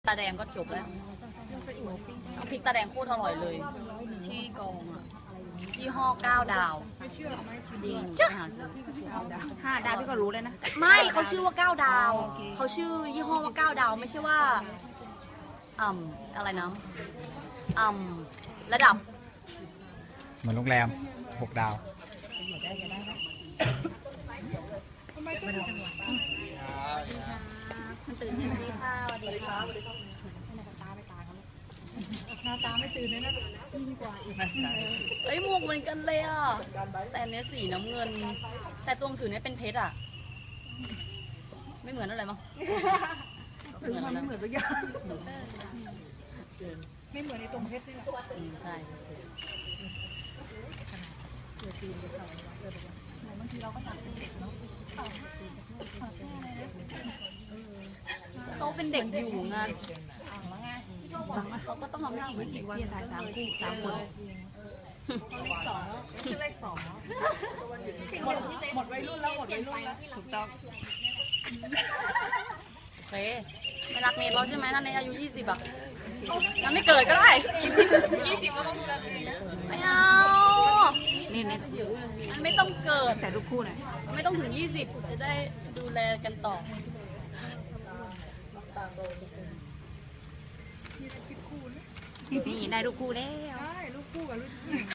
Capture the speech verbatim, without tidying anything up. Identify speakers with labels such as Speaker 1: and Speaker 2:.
Speaker 1: ตาแดงก็จบแล้วน้ำพริกตาแดงโคตรอร่อยเลยที่กองอ่ะยี่ห้อเก้าดาวจริงไปหาซื้อ
Speaker 2: ห้าดาวพี่ก็รู้เลยนะ
Speaker 1: ไม่เขาชื่อว่าเก้าดาวเขาชื่อยี่ห้อว่าเก้าดาวไม่ใช่ว่าอ่ำอะไรนะอ่ำระดับ
Speaker 3: เหมือนโรงแรมหกดาว
Speaker 1: มันตื่นที่นี่ค่ะสวัสดีค่ะหน้าตาไม่ตื่นเลยนะยิ่งกว่าอีกเอ้ยหมวกเหมือนกันเลยอ่ะแต่อันเนี้ยสีน้ำเงิน แต่ตัวหนังสือเนี้ยเป็นเพชรอ่ะไม่เหมือนอะไรมั้งไม่เหมือนอะไร
Speaker 2: ไม่เหมือนตัวอย่างไม่เหมือนในตรงเพชรนี่แหละ
Speaker 1: อืมใช่บางทีเราก็ตัดเป็นเด็กเนาะเขาเป็นเด็กอยู่ไงเขาก็ต้องทำหน้าเหมือนเด็ก
Speaker 2: พี่ถ่ายสามคู่สามคน
Speaker 1: ชื่อเลขสอง
Speaker 2: หมดหมดวัยรุ่นแล้วหมดวัยรุ่นแล้วถูกต้อง
Speaker 1: โอเคไม่รักเนทเราใช่ไหมถ้าเนทอายุยี่สิบอ่ะงั้นไม่เกิดก็ได้ยี่สิบก็ต้องดูแลตัวเองนะไม่เอา
Speaker 2: นี่เน็ต
Speaker 1: มันไม่ต้องเกิด
Speaker 2: แต่ลูกคู่หน่อย
Speaker 1: ไม่ต้องถึงยี่สิบจะได้ดูแลกันต่อ
Speaker 2: นี่ได้ลูกคู่แล้ว
Speaker 4: ใช่ลูกคู่กับลูก